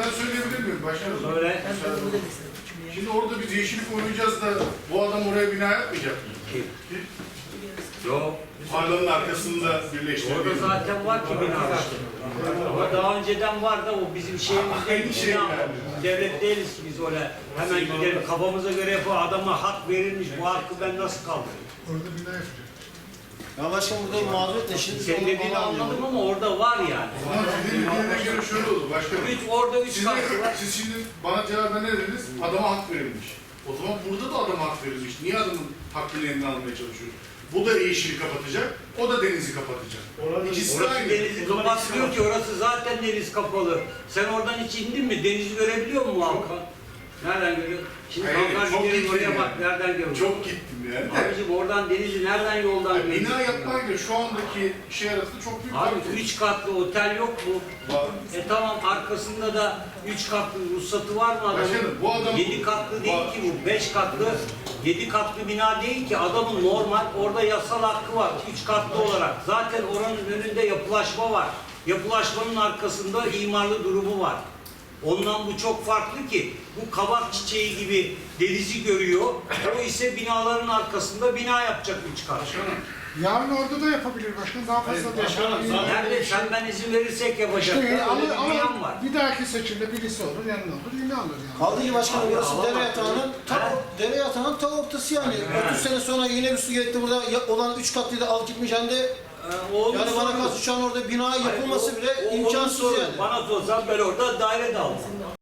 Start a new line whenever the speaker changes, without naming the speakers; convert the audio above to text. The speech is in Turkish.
ben söyleyebilir miyim başkanım?
Söyle.
Şimdi orada biz yeşillik oynayacağız da bu adam oraya bina yapmayacak mı?
Kim? Yok.
Tarlanın arkasında birleştirdiği.
Orada zaten var ki bina. Ama daha önceden var da o bizim şeyimizde
Aynı şey
bina.
yani.
Devlet değiliz ki biz öyle hemen gidelim kafamıza göre yapalım. Adama hak verilmiş. Bu hakkı ben nasıl kaldırayım?
Orada bina yapacak.
Ya başkan burada mağduriyet ne? Şimdi
Senin dediğini anladım ama orada var yani.
Ama sizin dediğine göre şöyle oldu başkanım.
Orada üç katlı var.
Siz şimdi bana cevaben ne dediniz? Adama hak verilmiş. O zaman burada da adama hak verilmiş. Niye adamın hakkını elinden almaya çalışıyoruz? Bu da yeşili kapatacak, o da denizi kapatacak. İkisi de
Orası
aynı.
denizi kapatmıyor ki, orası zaten deniz kapalı. Sen oradan hiç indin mi? Denizi görebiliyor musun Hakan? Nereden görüyor? Şimdi
Hayır,
Hakan
çok
gidelim
gittim
oraya
yani.
bak, nereden görüyor?
Çok gittim yani.
Abicim oradan denizi nereden yoldan görüyor?
Bina yapmayla şu andaki şey arasında çok büyük
Abi
fark var.
3 katlı otel yok mu?
Var.
Tamam, arkasında da 3 katlı ruhsatı var mı adamın?
Başkanım, bu adam-
7 katlı değil
Var.
ki bu, 5 katlı, 7 katlı bina değil ki, adamın normal orada yasal hakkı var 3 katlı olarak. Zaten oranın önünde yapılaşma var. Yapılaşmanın arkasında imarlı durumu var. Ondan bu çok farklı ki, bu kabak çiçeği gibi denizi görüyor, o ise binaların arkasında bina yapacak 3 kat.
Başkanım,
Yarın orada da yapabilir başkanım. Daha fazla da yapabilir.
Nerede sen ben izin verirsek yapacak.
İşte
Öyle bir dünyam var.
bir dahaki seçimde birisi olur, yanına olur, yine alır yani.
kaldı ki başkanım burası
Alamaz.
dere yatağının ta ortası yani. 30 sene sonra yine bir su geldi burada olan 3 katlıyı da al gitmiş hem de yani bana kalsa şu an orada bina yapılması bile imkansız
Onun sorunu.
yani.
Bana sorsan ben orada daire de almam.